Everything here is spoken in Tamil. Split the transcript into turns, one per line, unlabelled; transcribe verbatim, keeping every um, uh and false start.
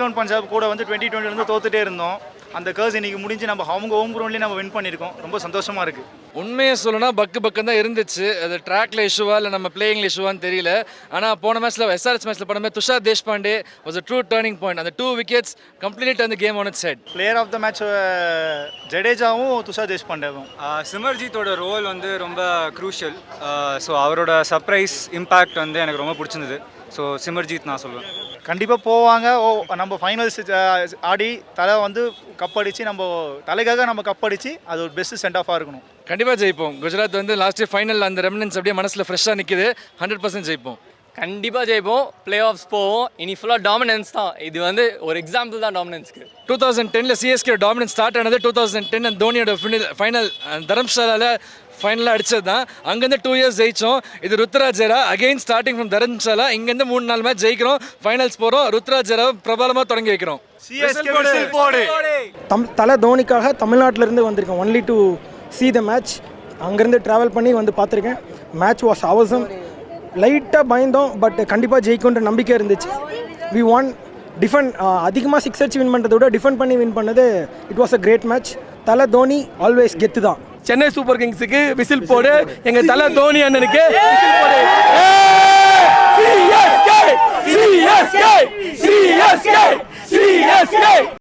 லெவன் பஞ்சாப் கூட வந்து டுவெண்ட்டி டுவெண்ட்டிலேருந்து தோத்துட்டே இருந்தோம். அந்த கர்ஸ் இன்னைக்கு முடிஞ்சு நம்ம அவங்க ஹோம் கிரவுண்ட்லேயே நம்ம வின் பண்ணியிருக்கோம். ரொம்ப சந்தோஷமாக இருக்குது.
உண்மையை சொல்லணும்னா பக்கு பக்கம் தான் இருந்துச்சு. அது ட்ராக்ல இஷ்யூவா இல்லை நம்ம பிளேயிங்ல இஷ்யூவான்னு தெரியல. ஆனால் போன மேட்ச்சில் எஸ்ஆர்எஸ் மேட்ச்சில் போன மாதிரி Tushar Deshpande was a true turning point. அந்த டூ விக்கெட்ஸ் கம்ப்ளீட் அந்த game on its head.
Player of the match ஜடேஜாவும் துஷார் தேஷ்பாண்டேவும்.
சிமர்ஜித்தோட ரோல் வந்து ரொம்ப க்ரூஷியல். ஸோ அவரோட சர்ப்ரைஸ் இம்பேக்ட் வந்து எனக்கு ரொம்ப பிடிச்சிருந்தது. ஸோ சிமர்ஜித் நான் சொல்லுவேன்.
கண்டிப்பாக போவாங்க. ஓ நம்ம ஃபைனல்ஸ் ஆடி தலை வந்து கப்படிச்சு நம்ம தலைக்காக நம்ம கப்படிச்சு அது ஒரு பெஸ்ட் சென்ட் ஆஃபாக இருக்கணும்.
கண்டிப்பாக ஜெயிப்போம். குஜராத் வந்து லாஸ்ட் இயர் ஃபைனல் அந்த ரெமினன்ஸ் அப்படியே மனசில் ஃப்ரெஷ்ஷாக நிற்கிது. ஹண்ட்ரட் பர்சன்ட் ஜெயிப்போம்.
கண்டிப்பாக ஜெயிப்போம். பிளே ஆஃப்ஸ் போவோம். இனி ஃபுல்லாக டாமினன்ஸ் தான். இது வந்து ஒரு எக்ஸாம்பிள் தான் டாமினன்ஸ்க்கு.
டூ தௌசண்ட் டென்னில் சிஎஸ்கே டாமினன்ஸ் ஸ்டார்ட் ஆனது டூ தௌசண்ட் டென் அந்த தோனியோட ஃபைனல் தரம்சாலாவில் ஃபைனலாக அடிச்சது தான். அங்கேருந்து டூ இயர்ஸ் ஜெயிச்சோம். இது ருத்ராஜ் ஜெரா அகெயின் ஸ்டார்டிங் ஃப்ரம் தரம்சாலா. இங்கேருந்து மூணு நாலு மேட்ச் ஜெயிக்கிறோம். ஃபைனல்ஸ் போகிறோம். ருத்ராஜ் ஜெரா பிரபலமாக தொடங்கி வைக்கிறோம்.
தம் தலை தோனிக்காக தமிழ்நாட்டிலேருந்து வந்திருக்கேன் only to see the match. அங்கேருந்து ட்ராவல் பண்ணி வந்து பார்த்துருக்கேன். Match was awesome. லைட்டாக பயந்தோம், பட் கண்டிப்பாக ஜெயிக்குன்ற நம்பிக்கை இருந்துச்சு. வி ஒன் டிஃபெண்ட் அதிகமாக சிக்ஸ் அடிச்சு வின் பண்ணுறதை விட டிஃபெண்ட் பண்ணி வின் பண்ணது it was a great match. Thala Dhoni always கெத்து தான்.
சென்னை சூப்பர் கிங்ஸுக்கு விசில் போடு. எங்க தலை தோனி அண்ணனுக்கு விசில் போடு. CSK CSK CSK CSK